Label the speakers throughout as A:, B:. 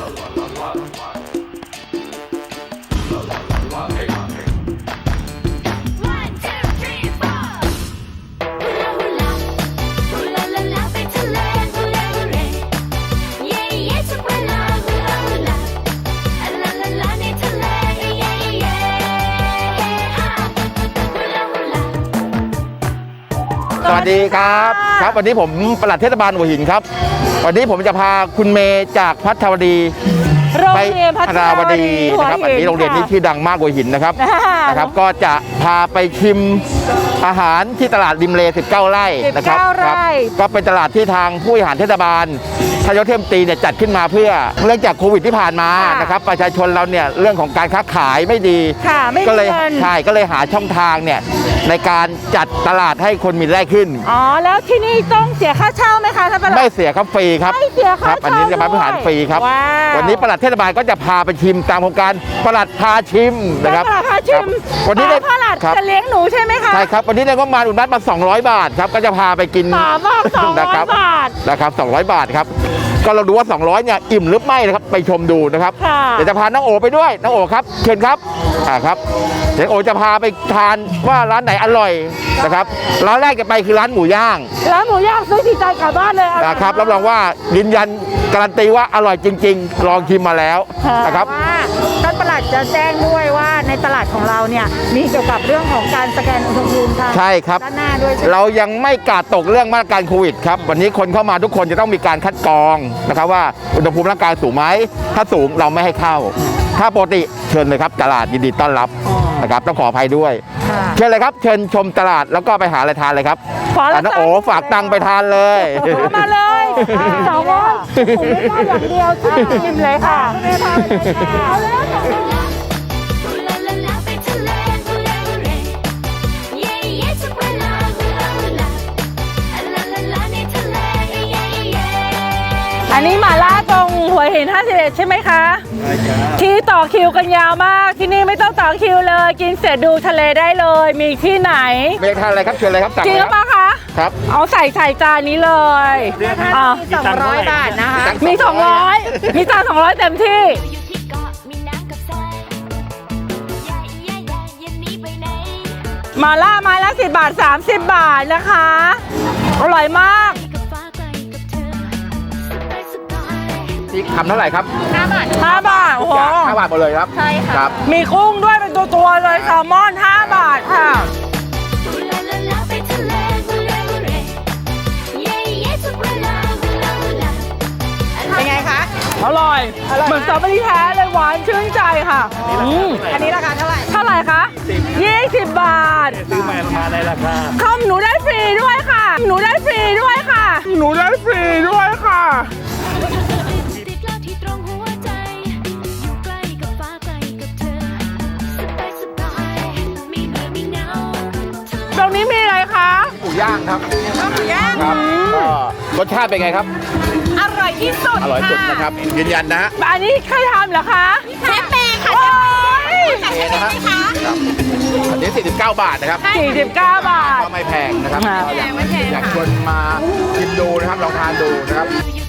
A: สวัสดีครับครับวันนี้ผมปลัดเทศบาลหัวหินครับวันนี้ผมจะพาคุณเมย์จากพัทรวดีไปพัทรวดีนะครับอันนี้โรงเรียนนี้ชื่อดังมากหัวหินนะครับก็จะพาไปชิมอาหารที่ตลาดริมเล19 ไร่นะครับก็เป็นตลาดที่ทางผู้บริหารเทศบาลทยศเทพตีเนี่ยจัดขึ้นมาเพื่อเรื่องจากโควิดที่ผ่านมานะครับประชาชนเราเนี่ยเรื่องของการค้าขายไม่ดีก็เลยหาช่องทางเนี่ยในการจัดตลาดให้คนมีรายได้ขึ้น
B: อ๋อแล้วที่นี่ต้องเสียค่าเช่าไหมคะท่านปลัด
A: ไม่เสียครับฟรีครับ
B: ไม่เสียค่าเช่า
A: อันนี้จะมาบริหารฟรีครับวันนี้ปลัดเทศบาลก็จะพาไปชิมตามโครงการปลัดพาชิมนะครับ
B: ปลัดพาชิม
A: วันนี้
B: ปลัดจะเลี้ยงหนูใช่ไหมคะ
A: ใช่ครับวันนี้ได้งบประมาณอุดหนุนมา200 บาทครับก็จะพาไปกิน
B: 200 บาท
A: นะครับ200 บาทครับก็เราดูว่า200เนี่ยอิ่มหรือไม่นะครับไปชมดูนะครับเดี๋ยวจะพาน้องโอไปด้วยน้องโอครับเชิญครับครับเดี๋ยวโอจะพาไปทานว่าร้านไหนอร่อยนะครับร้านแรกจะไปคือร้านหมูย่าง
B: ซื้อที่ใจกลับบ้านเลย
A: นะครับรับรองว่ายืนยันการันตีว่าอร่อยจริงๆลองชิมมาแล้วนะครับ
B: ท่านปลัดจะแจ้งด้วยว่าในตลาดของเราเนี่ยมีเกี่ยวกับเรื่องของการสแกนอุณหภูมิค่ะ
A: ใช่ครับ
B: ด้านหน้าด้วย
A: เรายังไม่กาดตกเรื่องมาตรการโควิดครับวันนี้คนเข้ามาทุกคนจะต้องมีการคัดกรองนะครับว่าอุณหภูมิร่างกายสูงไหมถ้าสูงเราไม่ให้เข้าถ้าปกติเชิญเลยครับตลาดยินดีต้อนรับนะครับต้องขออภัยด้วยเชิญเลยครับเชิญชมตลาดแล้วก็ไปหาอะไรทานเลยครับน้องโอฝากตังค์ไปทานเลย
B: มาเลย200ผมไม่ได้อย่างเดียวชิมเลยค่ะไม่พาไปเลยค่ะเอาเลยอันนี้หม่าล่าตรงหัวหิน51ใช่ไหมคะใช่ครับที่ต่อคิวกันยาวมากที่นี่ไม่ต้องต่อคิวเลยกินเสร็จดูทะเลได้เลยมีที่ไหน
A: เมฆทานอะไรครับเชิญเลยครับสั่ง
B: จริงหรือเปล่าคะ
A: ครับ
B: เอาใส่จานนี้เลยมี200 บาทนะคะมี200มีจาน200เต็มที่หม่าล่าไม้ละ10 บาท30 บาทนะคะอร่อยมาก
A: นี่คำเท่าไหร่ครับ
B: 5 บาทโอ้โห
A: 5 บาทหมดเลยครับ
B: ใช่ค่ะมีกุ้งด้วยเป็นตัวเลยแซลมอน5 บาทค่ะเป็นไงคะอร่อยเหมือนสตรอเบอรี่แท้เลยหวานชื่นใจค่ะอันนี้ราคาเท่าไหร่คะ20 บาท
C: ซื้อมาในราคา
B: ข้าวหนูได้ฟรีด้วยค่ะหนูได้ฟรีด้วยค่ะตรงนี้มีอะไรคะ
A: หมูย่างครับครับรสชาติเป็นไงครับ
B: อร่อยที่สุด
A: นะครับยืนยันนะฮะ
B: อันนี้ใครทำเหรอคะเชฟเมย์ค่ะ
A: นะครับอันนี้49 บาทนะครับ
B: 49 บาท
A: ก็ไม่แพงนะครับอยากชวนมาชิมดูนะครับลองทานดูนะครับ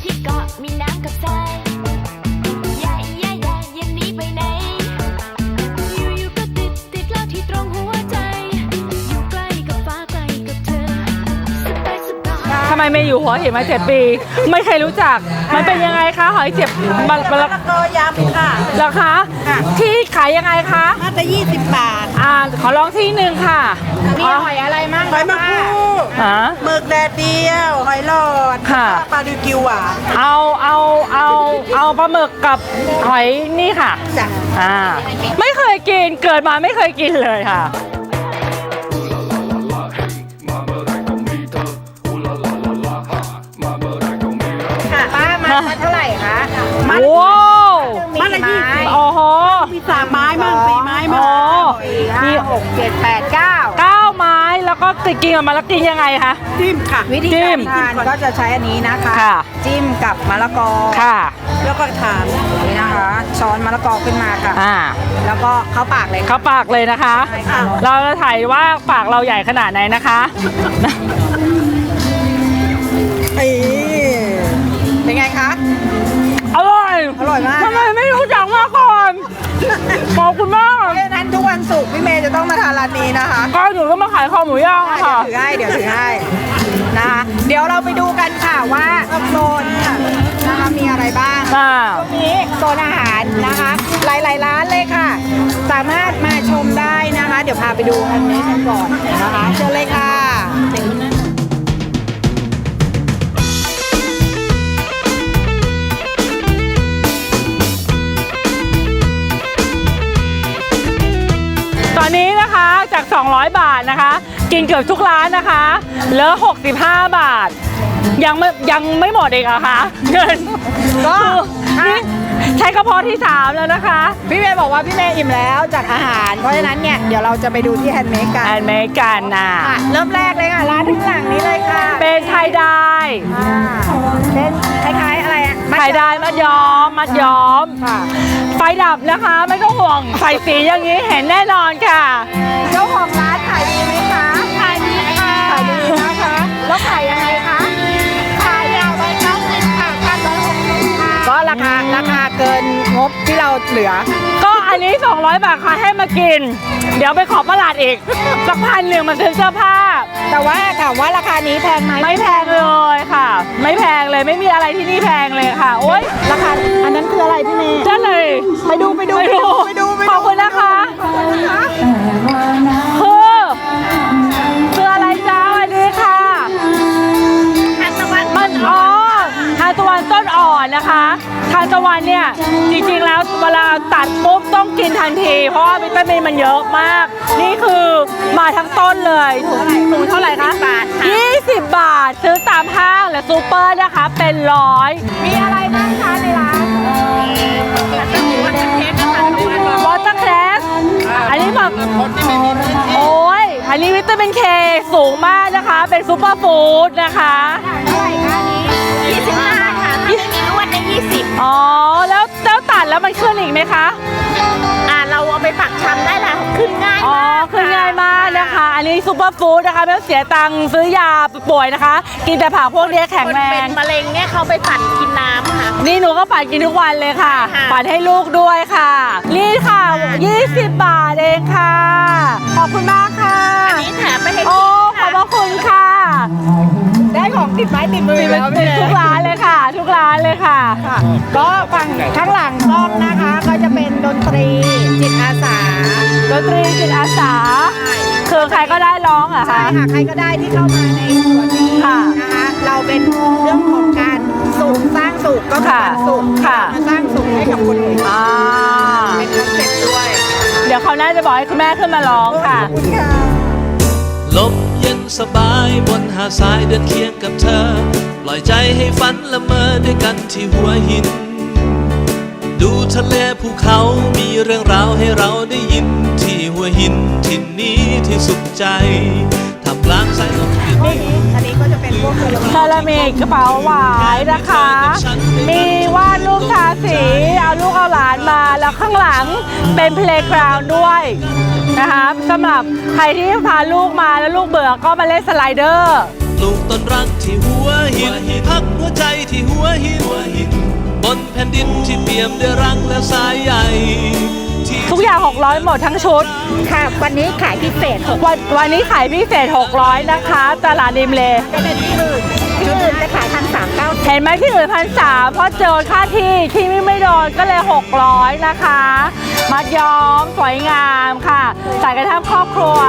B: ทำไมไม่อยู่หัวหินมา7 ปีไม่เคยรู้จักมันเป็นยังไงคะหอยเจ็บมะละกอยำค่ะราคาที่ขายยังไงคะ
D: น่าจะ20 บาท
B: ขอลองที่หนึ่งค่ะ
D: มีหอยอะไรมั่งหอยมะกรูดหมึกแดดเดียวหอยหลอด
B: ค่ะ
D: ปลาดิวกิวหวาน
B: เอาปลาหมึกกับหอยนี่ค่ะ
D: จ้ะ
B: ไม่เคยกินเกิดมาไม่เคยกินเลยค่ะ
D: มาเท่าไหร่คะ
B: ว้าว
D: มาละ20
B: โอ้โห
D: มี3 ไม้มั่ง4 ไม้มั่ง
B: มี
D: 6 7 8
B: 9ไม้แล้วก็กินกับมะละกอยังไงคะ
D: จิ้มค่ะวิธีการทานก็จะใช้อันนี้นะคะจิ้มกับมะละกอ
B: ค่ะ
D: แล้วก็ทานนี่นะคะช้อนมะละกอขึ้นมาค่ะแล้วก็เข้าปากเลย
B: นะคะเราจะถ่ายว่าปากเราใหญ่ขนาดไหนนะคะ
D: เป็นไงคะ
B: อร่อย
D: มากร้านนี้นะคะ
B: ก็หนูก็มาขายคอหมูย่างอะค่ะ
D: เดี๋ยวถือให้นะคะเดี๋ยวเราไปดูกันค่ะว่าโซนนะคะมีอะไรบ้าง
B: อ่า
D: ตรงนี้โซนอาหารนะคะ หลายๆร้านเลยค่ะ สามารถมาชมได้นะคะ เดี๋ยวพาไปดูอันนี้กันก่อนนะคะเชิญเลยค่ะ
B: ตอนนี้นะคะจาก 200 บาทนะคะ กินเกือบทุกร้านนะคะเหลือ 65 บาท ยังไม่หมดอีกเหรอคะเงิน
D: ก็
B: นี่ใช้กระเพาะที่ 3 แล้วนะคะ
D: พี่เมย์บอกว่าพี่เมย์อิ่มแล้วจากอาหาร เพราะฉะนั้นเนี่ยเดี๋ยวเราจะไปดูที่แฮนด์เมดกัน
B: แอนเมกันนะ
D: ค่ะเริ่มแรกเลยค่ะร้านข้างหลังนี้เลยค่ะ
B: เป็นไทยได้
D: เป็นคล้ายๆอะไรอะ
B: ไทยได้มัดย้อม
D: ค่ะ
B: ไฟดับนะคะไม่ต้องห่วงไฟสีอย่างนี้เห็นแน่นอนค่ะ
D: เจ้าของร้านขายดีไหมคะขายดีค่ะขายดีนะคะแล้วขายยังไงคะขายอย่าง190ค่ะ160ค่ะก็ราคาเกินงบที่เราเหลือ
B: ก็อันนี้ 200 บาทค่ะให้มากิน เดี๋ยวไปขอประหลาดอีกสัก1,100มาซื้อเสื้อผ้า
D: แต่ว่าถามว่าราคานี้แพงไหม
B: ไม่แพงเลยค่ะ ไม่แพงเลยไม่มีอะไรที่นี่แพงเลยค่ะ โอ๊ย
D: ราคาอันนั้นคืออะไรพี่เมย์
B: จ้าเลย
D: ไปดู
B: ขอบคุณนะคะ
D: ขอบคุณนะคะ
B: คืออะไรจ้าสวัสดีค่ะมันทานตะวันต้นอ่อนนะคะทานตะวันเนี่ยจริงๆแล้วเวลาตัดปุ๊บต้องกินทันที เพราะว่าวิตามินมันเยอะมาก นี่คือมาทั้งต้นเลยถุงเท่าไหร่คะ20 บาทซื้อตามห้างและซูเปอร์นะคะเป็น100
D: มีอะไรบ้างคะในร้าน
B: วอเตอร์แคลสอันนี้แบบโอ้ยอันนี้วิตามินเคสูงมากนะคะ เป็นซูเปอร์ฟู้ดนะคะ
D: เท่าไหร่คะนี้25ค่ะถ้าไม่มีนวดได้20
B: อ๋อแล้วตัดแล้วมันขึ้นอีกไหมคะ
D: เราเอาไปฝักชำได้ละขึ้นง่าย
B: อ๋อ
D: มาก
B: ขึ้นง่ายมากนะคะ อันนี้ซูเปอร์ฟู้ดนะคะไม่ต้องเสียตังค์ซื้อยาป่วยนะคะ กินแต่ผักพวกนี้แข็งแรง
D: มะเร็งเนี่ยเขาไปปั่นกินน้ำค่ะ
B: นี่หนูก็ปั่นกินทุกวันเลยค่ะ
D: ค่ะ
B: ปั่นให้ลูกด้วยค่ะ นี่ค่ะ 20 บาทเองค่ะ ขอบคุณมากค่ะ
D: นี่แถมไปให้
B: โอ้ ขอบพระคุณค่ะ
D: ได้ของติดไม้ติดมือแล้ว
B: ติดทุกร้านเลยค่ะ ทุกร้านเลยค่ะ
D: ก็ฝั่งข้างหลังกล้องนะคะ ก็จะเป็นดนตรีจิตอาสา
B: ดนตรีจิตอาสา คือใครก็ได้ร้องเหรอ
D: ใช่
B: คะ
D: ค่ะใครก็ได้ที่เข้ามาในส่วนนี้
B: ค่ะ
D: นะคะเราเป็นเรื่องของการสร้างสุขก็คือการสุข
B: ค่ะ
D: มาสร้างสุขให้กับคนอื่น
B: อ่า
D: เป็นคอนเซ็ปต์ด้วย
B: เดี๋ยวเขาวหน่าจะบอกให้คุณแม่ขึ้นมาร้องค่ะ
D: ขอบคุณค่ะ
C: ลมเย็นสบายบนหาดทรายเดินเคียงกับเธอ ปล่อยใจให้ฝันละเมอด้วยกันที่หัวหิน ดูทะเลภูเขามีเรื่องราวให้เราได้ยิน ที่หัวหินที่นี้ที่สุขใจทำกลางสายลมเย็น
D: อันนี้ก็จะเป็นพวกเซรามิก
B: เซรามิกกระเป๋าหวายนะคะ มีวาดรูปทาสี เอาลูกเอาหลานมา แล้วข้างหลังเป็นเพลย์กราวด์ด้วยนะคะสำหรับใครที่พาลูกมาแล้วลูกเบื่อก็มาเล่นสไลเดอร์
C: ปลูกต้นรักที่หัวหิน พักหัวใจที่หัวหิน บนแผ่นดินที่เปี่ยมด้วยรักและสายใยที่
B: ทุกอย่าง 600 หมดทั้งชุด
D: ค่ะ วันนี้ขายพิเศษ
B: วันนี้ขายพิเศษ 600 นะคะ ตลาดริมเล
D: จะเป็นที่อื่นจะขาย1,390
B: เห็นไหมที่อื่น1,300เพราะเจอค่าที่ไม่โดนก็เลย 600 นะคะ มัดย้อมสวยงามค่ะ ใส่กันทั้งครอบครัว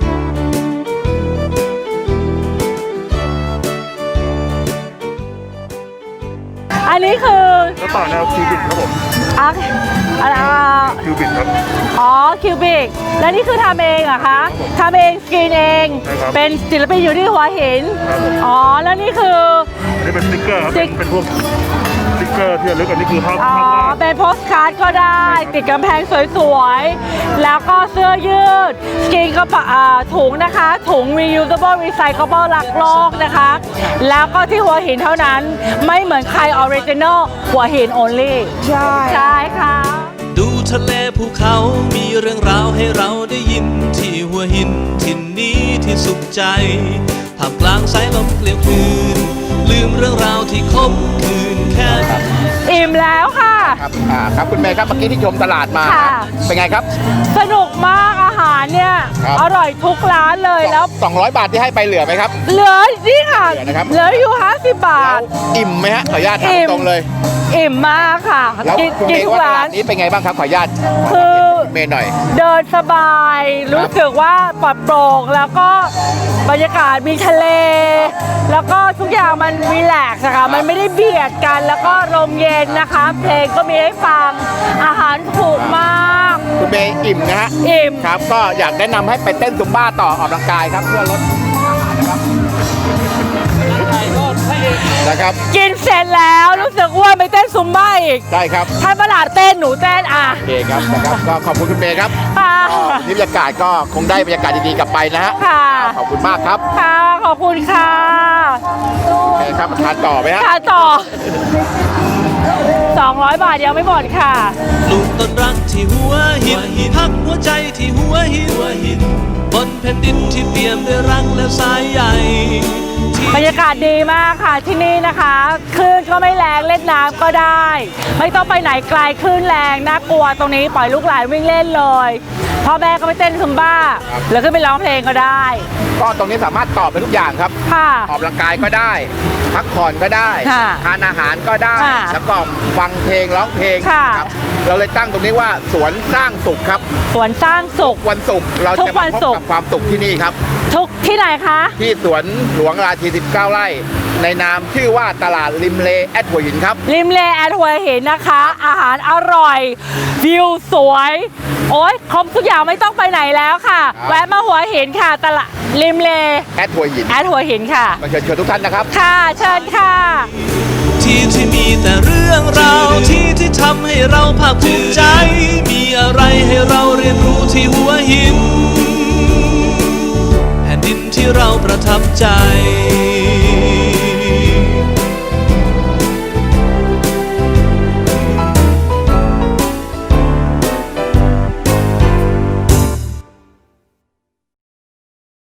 B: อันนี้คือ
E: แล้วต่อแนวคิวบิดครับผม
B: อ่ะอ่า
E: คิวบิดครับ
B: อ๋อคิวบิกแล้วนี่คือทำเองเหรอคะทำเองสกรีนเอง
E: ใช่ครับ
B: เป็นศิลปินอยู่ที่หัวหิน
E: ครับผม
B: อ๋อแล้วนี่คือ
E: อันนี้เป็นสติ๊กเกอร์ครับ เป็นพวกสติ๊กเกอร์ที่ระลึกอันนี้คือภาพ
B: อ๋อ
E: วาด
B: เป็นโพสการ์ดก็ได้ ติดกำแพงสวยๆ แล้วก็เสื้อยืด สกรีนก็ถุงนะคะ ถุง reusable recyclable รักโลกนะคะ แล้วก็ที่หัวหินเท่านั้น ไม่เหมือนใคร original หัวหิน only
D: ใช่
B: ใช่ค่ะ
C: ดูทะเลภูเขามีเรื่องราวให้เราได้ยิน ที่หัวหินที่นี้ที่สุขใจท่ามกลางสายลมเกลียวคลื่นลืมเรื่องราวที่คมคืนแค่
B: อิ่มแล้วค่ะ
A: ครับครับคุณเมย์ครับเมื่อกี้ที่ชมตลาดมา
B: ค่ะ
A: เป็นไงครับ
B: สนุกมากอาหารเนี่ย
A: ครับ
B: อร่อยทุกร้านเลยแล้ว
A: 200 บาทที่ให้ไปเหลือไหมครับ
B: เหลือนี่ค่ะ
A: เหลือนะครับ
B: เหลืออยู่50 บา
A: แล้
B: ท
A: วอิ่มไหมฮะขออนุญาตถามตรงเลย
B: อิ่มมากค่ะ
A: แล้ว
B: กิน
A: คุณ
B: กิ
A: เม
B: น
A: ย์
B: ทุก
A: ว่าต
B: ร้า
A: ลาน ดนี้เป็นไงบ้างครับขออนุญาต
B: คือ
A: เมย์หน่อย
B: เดินสบาย รู้สึกว่าปลอดโปร่งแล้วก็บรรยากาศมีทะเล แล้วก็ทุกอย่างมันรีแลกซ์อะค่ะมันไม่ได้เบียดกัน แล้วก็ลมเย็นนะคะ เพลงก็มีให้ฟังอาหารถูกมาก
A: คุณเมย์อิ่มนะฮะ
B: อิ่ม
A: ครับก็อยากแนะนำให้ไปเต้นซุมบ้าต่อออกกำลังกายครับเพื่อลดอาหารนะครับนะครับ
B: กินเสร็จแล้วรู้สึกอ้วนไปเต้นซุมบ้าอีก
A: ได้ครับ
B: ท่านประหลาดเต้นหนูเต้นอ่ะ
A: โอเคครับนะครับก็ขอบคุณคุณเมย์ครับ
B: ค่ะ
A: ก็นี่บรรยากาศก็คงได้บรรยากาศดีๆกลับไปนะฮะ
B: ค่ะ
A: ขอบคุณมากครับ
B: ค่ะขอบคุณค่ะ
A: โอเคครับทานต่อไหมฮะ
B: ค่ะต่อ 200 บาทยังไม่หมดค่ะ
C: ปลูกต้นรักที่หัวหินพักหัวใจที่หัวหิน บนแผ่นดินที่เปี่ยมด้วยรักและสายใยที่
B: บรรยากาศดีมากค่ะที่นี่นะคะคลื่นก็ไม่แรงเล่นน้ำก็ได้ ไม่ต้องไปไหนไกลคลื่นแรงน่ากลัวตรงนี้ปล่อยลูกหลานวิ่งเล่นเลยพ่อแม่ก็ไปเต้นซุมบ้าหรือขึ้นไปร้องเพลงก็ได้
A: ก็ตรงนี้สามารถตอบไปทุกอย่างครับ
B: ค่ะ
A: ออกกำลังกายก็ได้ พักผ่อนก็ได้
B: ค่ะ
A: ทานอาหารก็ได้
B: ค่ะ
A: แล้วก็ฟังเพลงร้องเพลง
B: ค่ะ
A: ครับเราเลยตั้งตรงนี้ว่าสวนสร้างสุขครับ
B: สวนสร้างสุข
A: วันศุกร์เรา
B: ทุ
A: จะ
B: กวั
A: มาน พบ
B: ศุกร์
A: กับความสุขที่นี่ครับ
B: ทุกที่ไหนคะ
A: ที่สวนหลวงราชี19 ไร่ ในนามชื่อว่าตลาดริมเลแอดหัวหินครับ
B: ริมเลแอดหัวหินนะคะ อาหารอร่อยวิวสวย โอ้ยครบทุกอย่างไม่ต้องไปไหนแล้วค่ะ
A: ครับ
B: แวะมาหัวหินค่ะตลาดริมเล
A: แอดหัวหิน
B: แอดหัวหินค่ะ
A: มาเชิญชวนทุกท่านนะครับ
B: ค่ะเชิญค่ะ
C: ที่มีแต่เรื่องราวที่ทำให้เราภาคภูมิใจ มีอะไร